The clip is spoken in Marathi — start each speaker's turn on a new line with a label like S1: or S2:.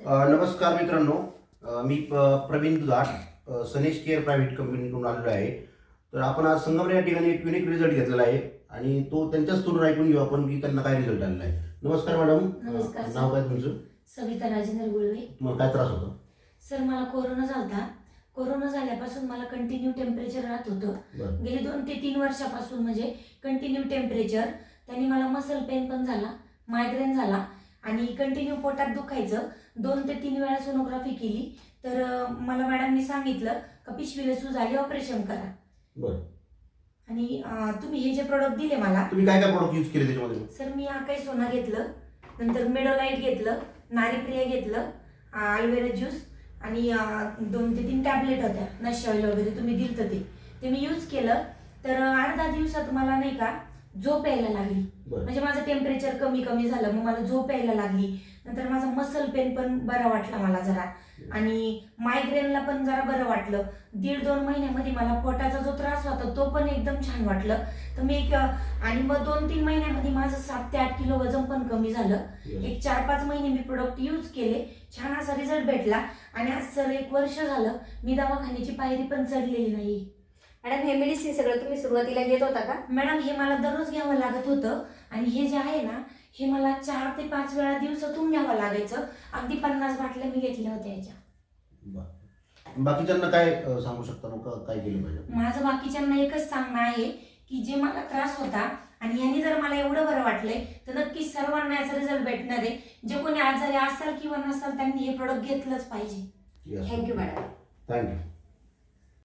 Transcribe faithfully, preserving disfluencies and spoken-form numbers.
S1: अ, नमस्कार मित्रांनो. अ, मी प- प्रवीण दुधाट अ, सनेश केअर प्रायव्हेट कंपनीकडून आलेलो आहे. तर आपण आज संगमनेर या ठिकाणी एक युनिक रिझल्ट घेतलेला आहे आणि तो त्यांच्याच तोंडून ऐकून घेऊ आपण की त्यांना काय रिझल्ट आलेला आहे. नमस्कार मॅडम.
S2: नमस्कार
S1: अ,
S2: सर.
S1: नाव काय तुमचं?
S2: सविता राजेंद्र गुळवे.
S1: तुम्हाला काय त्रास होता?
S2: सर मला कोरोना झालता. कोरोना झाल्यापासून मला कंटिन्यू टेम्परेचर राहत होतं.
S1: बरं.
S2: गेली दोन ते तीन वर्षापासून म्हणजे कंटिन्यू टेम्परेचर. त्यांनी मला मसल पेन पण झाला, मायग्रेन झाला आणि कंटिन्यू पोटात दुखायचं. दोन ते तीन वेळा सोनोग्राफी केली तर अ, मला मॅडमनी सांगितलं का पिशवीला सूज आली, ऑपरेशन करा.
S1: बरं.
S2: आणि अ, तुम्ही हे जे प्रोडक्ट दिले मला,
S1: तुम्ही काय काय प्रोडक्ट यूज केले त्याच्यामध्ये?
S2: सर मी आकाई सोना घेतलं, नंतर मेडोलाइट घेतलं, नारीप्रिया घेतलं, अल्वेरा ज्यूस आणि अं, दोन ते तीन टॅबलेट होत्या नशी ऑइल वगैरे तुम्ही दिलं ते ते मी यूज केलं. तर अं, अर्धा दिवसात मला नाही का झोप यायला लागली.
S1: बरं.
S2: म्हणजे माझं टेम्परेचर कमी कमी झालं, मग मला झोप यायला लागली. नंतर माझा मसल पेन पण बरा वाटला मला जरा आणि मायग्रेनला पण जरा बरं वाटलं. दीड दोन महिन्यामध्ये मला पोटाचा जो त्रास होता तो पण एकदम छान वाटलं. तर मी एक अं, आणि मग दोन तीन महिन्यामध्ये माझं सात ते आठ किलो वजन पण कमी झालं.
S1: Yes.
S2: एक चार पाच महिने मी प्रोडक्ट यूज केले, छान असा रिझल्ट भेटला आणि आज सर एक वर्ष झालं मी दवाखान्याची पायरी पण चढलेली नाही.
S3: मॅडम हे मेडिसिन सगळं तुम्ही सुरुवातीला घेत होता का?
S2: मॅडम हे मला दररोज घ्यावं लागत होतं आणि हे जे आहे ना हे मला चार ते पाच वेळा दिवसातून घ्यावं लागायचं. अगदी पन्नास बाटल्या मी घेतल्या होत्या याच्या.
S1: बरं. बाकीच्यांना काय अ, सांगू शकता मग का- काय केलं पाहिजे?
S2: माझं बाकीच्यांना एकच सांगणं आहे की जे मला त्रास होता आणि ह्यानी जर मला एवढं बरं वाटलंय तर नक्कीच सर्वांना याचा रिझल्ट भेटणार आहे. जे कोणी आजारी असाल किंवा नसाल त्यांनी हे प्रोडक्ट घेतलंच पाहिजे.
S1: Yes.
S3: Thank you madam.
S1: थँक्यू.